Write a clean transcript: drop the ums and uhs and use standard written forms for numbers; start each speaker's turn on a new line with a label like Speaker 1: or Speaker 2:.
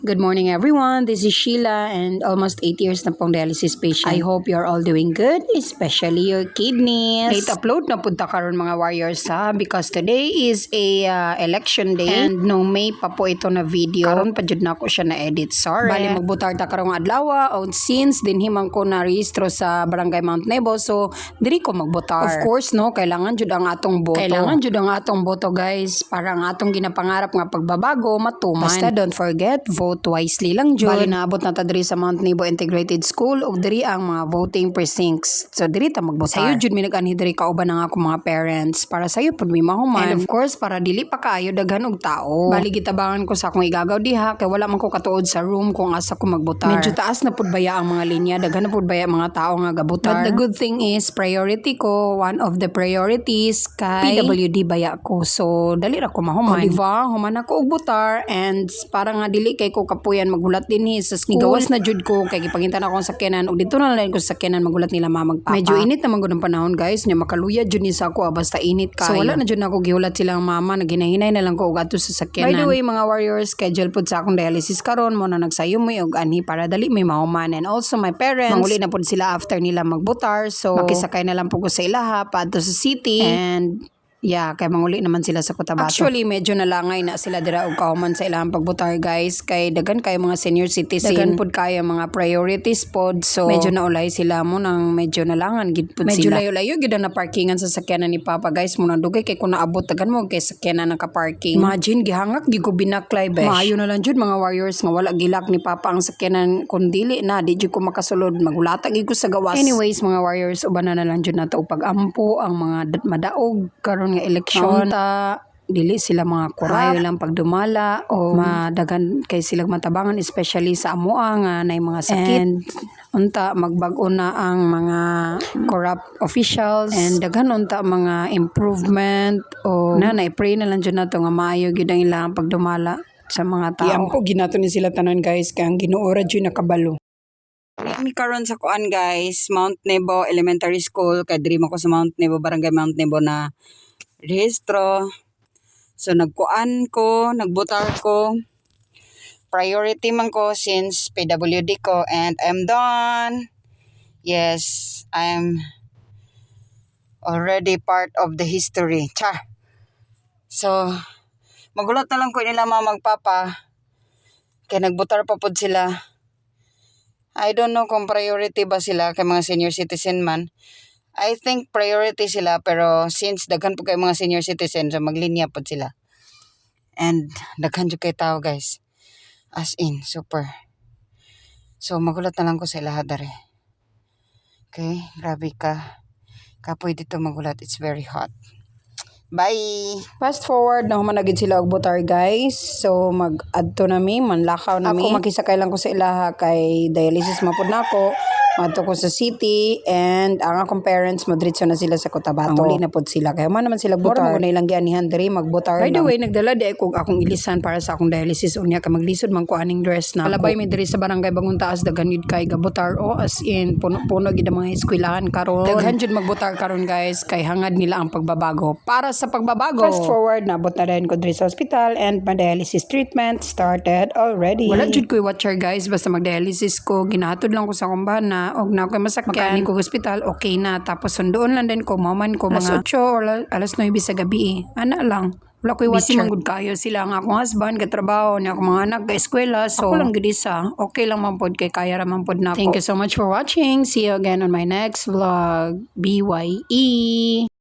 Speaker 1: Good morning everyone, this is Sheila and almost 8 years na pong dialysis patient. I hope you're all doing good, especially your kidneys. Late upload na punta karon mga warriors ha, because today is a election day and no May pa po ito na video. Karon pa jud na ako siya na edit, sorry. Bali magbutar ta karong adlaw o since din himang ko na rehistro sa Barangay Mount Nebo, so diri ko magbutar. Of course no, kailangan jud ang atong boto. Kailangan jud ang atong boto guys, para ang atong ginapangarap nga pagbabago matuman. Basta don't forget, vote wisely lang jud. Bali naabot na ta diri sa Mount Nebo Integrated School ug diri ang mga voting precincts. So diri ta magbotar. Sayo jud mi nag-anhi diri kauban ang ako mga parents para sayo pud mi mahuman. And of course para dili pa kaayo daghan og tao. Bali gitabangan ko sa akong igagaw diha kay wala man ko katuod sa room kung asa ko magbotar. Medyo taas na pud baya ang mga linya, daghan na pud baya mga tao nga gabotar. But the good thing is priority ko, one of the priorities kay PWD baya ko. So dali ra ko mahuman. O diba, human ako og botar and para nga dili kay ko kapuyan maghulat dinhi sa school. Gawas na jud ko kay gipangintan ako sa sakyanan ug dito na lang ko sa sakyanan maghulat nila magpapa. Medyo init naman gud ang panahon guys, nya makaluya jud ni sa ako basta init kayo. So wala na jud nako gihulat silang mama, naghinay-hinay na lang ko og adto sa sakyanan. By the way mga warriors, schedule pud sa akong dialysis karon mo na nagsayo mo og anhi para dali may mahuman. And also my parents, manguli na pud sila after nila magbotar, so makisakay na lang pud ko sa ilaha paadto sa city and yeah, kay manguli naman sila sa Cotabato. Actually, medyo nalangay na sila dira og kauman sa ilang pagbotar guys. Kay daghan kayo mga senior citizen. Daghan pud kayo mga priorities pod. So, medyo naulay sila mo nang medyo nalangan gid pud sila. Medyo layo-layo gid na parkingan sa sakyanan ni Papa guys. Muna dugay kay kung naabot daghan mo kay sakyanan naka-parking. Imagine gihangak gid ko binaklay besh. Maayo na lang jud mga warriors nga wala gilak ni Papa ang sakyanan kun dili na di jud ko makasulod. Magulata gid ko sa gawas. Anyways mga warriors, uban na lang jud nato pag-ampo ang mga madaog karon nga eleksyon ta dili sila mga kurayo lang pagdumala o madagan kay silang matabangan especially sa amoa nga nay mga sakit and unta magbag-o na ang mga corrupt officials and daghan unta mga improvement o na-pray na lang jud nato nga maayo gyud ang ilang pagdumala sa mga tao. Iampo ginato ni sila tanan guys kay ang Ginoo ra jud nakabalo. Kami karon sa kuan guys, Mount Nebo Elementary School, kay diri man ko sa Mount Nebo, Barangay Mount Nebo na rehistro. So nagkuan ko, nagbotar ko. Priority man ko since PWD ko and I'm done. Yes, I'm already part of the history. Char. So magulat na lang ko nila magpapa. Kaya nagbotar pa pod sila. I don't know kung priority ba sila kay mga senior citizen man. I think priority sila pero since daghan po kay mga senior citizen so maglinya po sila. And daghan jud kay tao guys. As in super. So magulat na lang ko sa ilaha dere. Okay, grabe ka. Kapoy dito magulat, it's very hot. Bye! Fast forward na human na gid sila og botar guys. So mag-adto na mi, manlakaw na mi. Ako makisakay lang ko sa ilaha kay dialysis mapud nako. Madto ko sa city and ang akong parents madritso na sila sa Cotabato. Ang uli na pod sila kay man naman sila botar. Mura mo na ilang gianihan diri magbotar. By the way, nagdala di ako akong ilisan para sa akong dialysis unya kay maglisod man ko aning dress na. Kalabay mi diri sa Barangay Bagong Taas daghan gid kay gabotar o as in puno-puno gid ang mga eskwelahan karon. Daghan jud magbotar karon guys kay hangad nila ang pagbabago. Para sa pagbabago. Fast forward nabot na rin ko diri sa hospital and my dialysis treatment started already. Wala jud ko watcher guys basta mag-dialysis ko ginahatod lang ko sa kumbahan na og na ko masakyan ko hospital okay na tapos sundoon lang din ko maman ko mga 8 or alas 9 sa gabi ana lang wala ko'y watcher. Busy manggod kayo sila nga akong husband katrabaho niya akong mga anak ka eskwela so ako lang gid isa okay lang man pod kay kaya ra man pod nako. Thank you so much for watching, see you again on my next vlog. BYE.